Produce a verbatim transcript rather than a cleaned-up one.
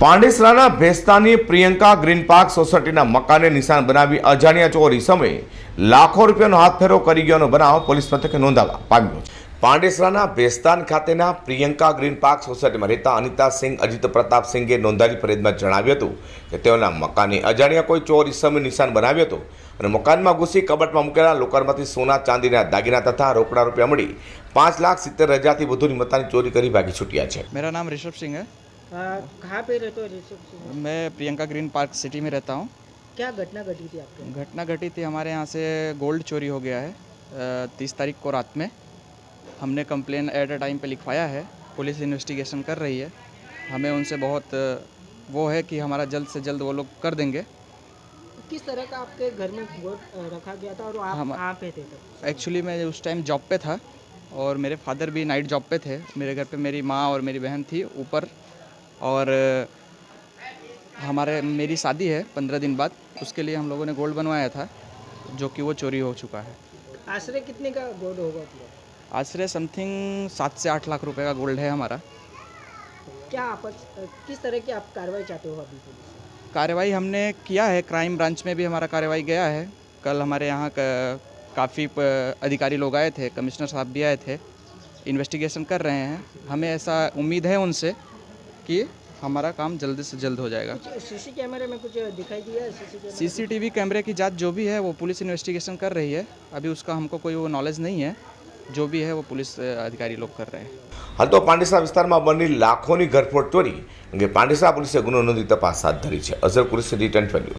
પાંડેસરાના ભેસ્તાની Priyanka green park સોસાયટીના મકાને નિશાન બનાવી અજાણ્યા ચોર ઇસમે લાખો રૂપિયાનો હાથફેરો કરી ગયાનો બનાવ પોલીસ મથકે નોંધાવા પામ્યો છે। પાંડેસરાના ભેસ્તાન ખાતેના પ્રિયંકા ગ્રીન પાર્ક સોસાયટીમાં રહેતા અનિતા સિંહ અજીત પ્રતાપ સિંઘે નોંધાયેલી ફરિયાદમાં જણાવ્યું હતું કે તેઓના મકાને અજાણ્યા કોઈ ચોર ઇસમે નિશાન બનાવ્યો હતો અને મકાનમાં ઘૂસી કબાટમાં મૂકેલા લોકરમાંથી સોના ચાંદીના દાગીના તથા રોકડા રૂપિયા મળી પાંચ લાખ સિત્તેર હજારથી વધુની મત્તાની ચોરી કરી ભાગી છૂટ્યા છે। मेरा नाम ऋषभ सिंह है। आ, कहाँ पे रहते हो ऋषभ सिंह? मैं प्रियंका ग्रीन पार्क सिटी में रहता हूँ। क्या घटना घटी थी आपके? घटना घटी थी, हमारे यहाँ से गोल्ड चोरी हो गया है तीस तारीख को रात में। हमने कंप्लेन एट अ टाइम पे लिखवाया है, पुलिस इन्वेस्टिगेशन कर रही है। हमें उनसे बहुत वो है कि हमारा जल्द से जल्द वो लोग कर देंगे। किस तरह का आपके घर में गोल्ड रखा गया था और आप हम कहाँ पे थे तब? एक्चुअली मैं उस टाइम जॉब पे था और मेरे फादर भी नाइट जॉब पे थे। मेरे घर पे मेरी माँ और मेरी बहन थी ऊपर, और हमारे मेरी शादी है पंद्रह दिन बाद, उसके लिए हम लोगों ने गोल्ड बनवाया था जो कि वो चोरी हो चुका है। आश्रय कितने का गोल्ड होगा पूरा? आश्रय समथिंग सात से आठ लाख रुपए का गोल्ड है हमारा। क्या आप किस तरह की आप कार्रवाई चाहते हो अभी पुलिस? कार्रवाई हमने किया है, क्राइम ब्रांच में भी हमारा कार्रवाई गया है। कल हमारे यहाँ काफ़ी अधिकारी लोग आए थे, कमिश्नर साहब भी आए थे, इन्वेस्टिगेशन कर रहे हैं। हमें ऐसा उम्मीद है उनसे कि हमारा काम जल्द से जल्द हो जाएगा। सीसी कैमरे में कुछ दिखाई दिया है? सीसी सीसीटीवी कैमरे की जांच जो भी है वो पुलिस इन्वेस्टिगेशन कर रही है। अभी उसका हमको कोई वो नॉलेज नहीं है, जो भी है वो पुलिस अधिकारी लोग कर रहे हैं। हाल तो પાંડેસરા વિસ્તારમાં બનેલી લાખોની ઘરફોડ ચોરી અંગે પાંડેસરા પોલીસે ગુનો નોંધી તપાસ હાથ ધરી છે। અઝર કુરેશી રિટર્ન